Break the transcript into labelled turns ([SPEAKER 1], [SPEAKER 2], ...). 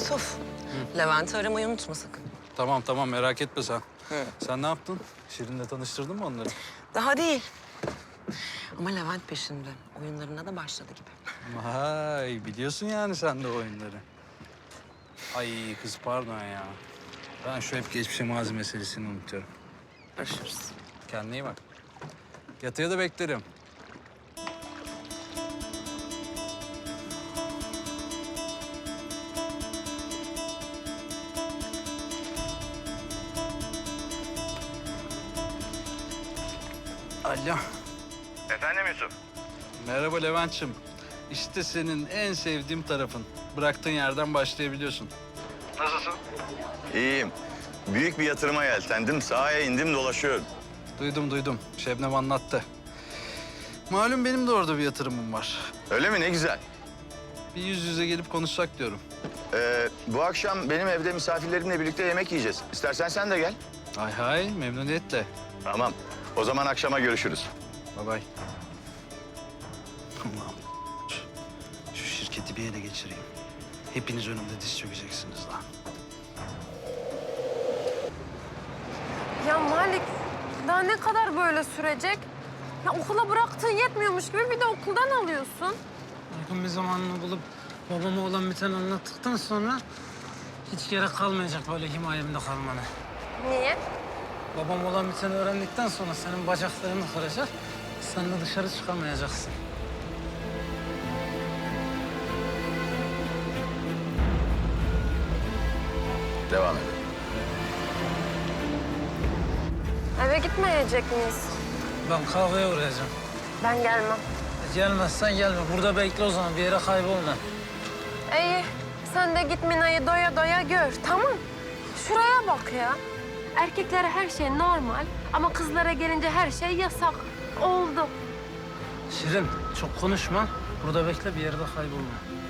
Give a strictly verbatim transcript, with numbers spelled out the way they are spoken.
[SPEAKER 1] Yusuf, Levent'i aramayı unutma sakın.
[SPEAKER 2] Tamam tamam merak etme sen.
[SPEAKER 1] Hı.
[SPEAKER 2] Sen ne yaptın? Şirin'le tanıştırdın mı onları?
[SPEAKER 1] Daha değil. Ama Levent peşinde. Oyunlarına da başladı gibi.
[SPEAKER 2] Vay biliyorsun yani sen de oyunları. Ay kız pardon ya. Ben şu hep geçmişe mazi meselesini unutuyorum.
[SPEAKER 1] Görüşürüz.
[SPEAKER 2] Kendine iyi bak. Yatıya da beklerim. Alo.
[SPEAKER 3] Efendim Yusuf?
[SPEAKER 2] Merhaba Levent'ciğim. İşte senin en sevdiğim tarafın. Bıraktığın yerden başlayabiliyorsun.
[SPEAKER 3] Nasılsın? İyiyim. Büyük bir yatırıma yeltendim. Sahaya indim dolaşıyorum.
[SPEAKER 2] Duydum duydum. Şebnem anlattı. Malum benim de orada bir yatırımım var.
[SPEAKER 3] Öyle mi? Ne güzel.
[SPEAKER 2] Bir yüz yüze gelip konuşsak diyorum.
[SPEAKER 3] Ee, bu akşam benim evde misafirlerimle birlikte yemek yiyeceğiz. İstersen sen de gel.
[SPEAKER 2] Hay hay memnuniyetle.
[SPEAKER 3] Tamam. O zaman akşama görüşürüz.
[SPEAKER 2] Bay bay. Allah'ım. Şu şirketi bir ele geçireyim. Hepiniz önümde diz çökeceksiniz lan.
[SPEAKER 4] Ya Malik, daha ne kadar böyle sürecek? Ya okula bıraktığın yetmiyormuş gibi bir de okuldan alıyorsun.
[SPEAKER 5] Uygun bir zamanını bulup babama olan biteni anlattıktan sonra hiç gerek kalmayacak böyle himayemde kalmana.
[SPEAKER 4] Niye?
[SPEAKER 5] Babam olan biteni öğrendikten sonra senin bacaklarını kıracak, sen de dışarı çıkamayacaksın.
[SPEAKER 3] Devam et.
[SPEAKER 4] Eve gitmeyecek miyiz?
[SPEAKER 5] Ben kahveye uğrayacağım.
[SPEAKER 4] Ben gelmem.
[SPEAKER 5] E, gelmezsen gelme. Burada bekle o zaman. Bir yere kaybolma.
[SPEAKER 4] İyi, sen de git Mina'yı doya doya gör, tamam? Şuraya bak ya. Erkeklere her şey normal ama kızlara gelince her şey yasak. Oldu.
[SPEAKER 5] Şirin, çok konuşma. Burada bekle, bir yerde kaybolma.